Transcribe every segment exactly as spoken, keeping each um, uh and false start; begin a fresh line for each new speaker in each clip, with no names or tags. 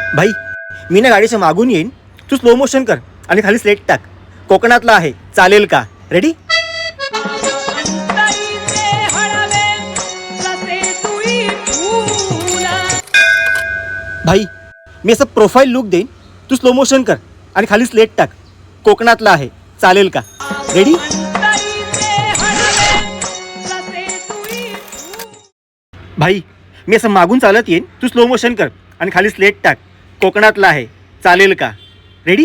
भाई मी ना गाडीच्या मागून येईन, तू स्लो मोशन कर आणि खाली स्लेट टाक. कोकणातला आहे, चालेल का? रेडी? भाई मी असं प्रोफाईल लुक देईन, तू स्लो मोशन कर आणि खाली स्लेट टाक. कोकणातला आहे, चालेल का? रेडी? भाई मी असं मागून चालत येईन, तू स्लो मोशन कर आणि खाली स्लेट टाक. कोकणातला आहे, चालेल का? रेडी?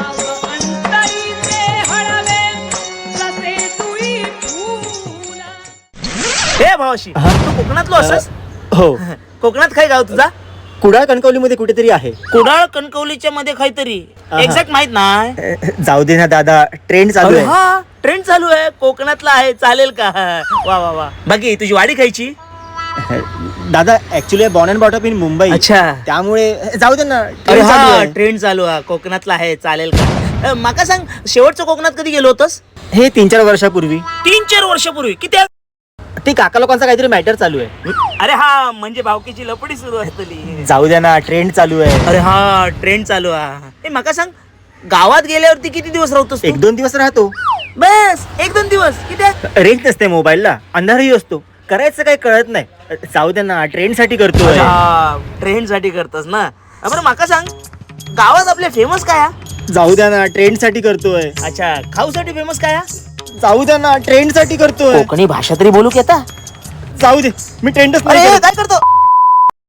हे भावाशी तू कोकणातलो असस?
हो.
कोकणात काय गाव तुझा?
कुडाळ कणकवलीमध्ये कुठेतरी आहे.
कुडाळ कणकवलीच्या मध्ये काहीतरी एक्झॅक्ट माहित नाही.
जाऊ दे ना दादा, ट्रेंड चालू आहे.
हा ट्रेंड चालू आहे, कोकणातला आहे, चालेल का? वा वा वा. बाकी तुझी वाडी खायची?
दादा actually born and bought up in Mumbai,
अच्छा.
त्यामुळे जाऊ दे ना.
अरे
ट्रेंड चालू
हा
आहे.
ट्रेंड चालू आहे, कोकणातला आहे, चालेल का? अ, माका सांग, शेवटचं कोकणात कधी गेलो होतस?
हे तीन चार वर्षापूर्वी.
तीन चार वर्षापूर्वी. किती?
ते काका लोकांचा काहीतरी मॅटर चालू आहे.
अरे हा म्हणजे भावकीची लपडी सुरू असतली.
जाऊ द्या ना, ट्रेंड चालू आहे.
अरे हा ट्रेंड चालू आहे. ए माका सांग, गावात गेल्यावरती किती दिवस राहतोस तू?
एक दोन दिवस राहतो.
बस एक दोन दिवस. किती?
रेंज नसते मोबाईलला, अंधारही असतो, करायचं काही कळत नाही. जाऊ द्या ना, ट्रेंड साठी करतोय.
ट्रेंड साठी करतस ना? बरं माका सांग, गावात आपले फेमस काय आहे?
जाऊ द्या ना, ट्रेंड साठी करतोय.
अच्छा, खाऊसाठी फेमस काय आहे?
जाऊ द्या ना, ट्रेंड साठी करतोय.
कोकणी भाषा तरी बोलू की आता?
जाऊ दे, मी ट्रेंडच
अरे
नाही करत.
काय करतो?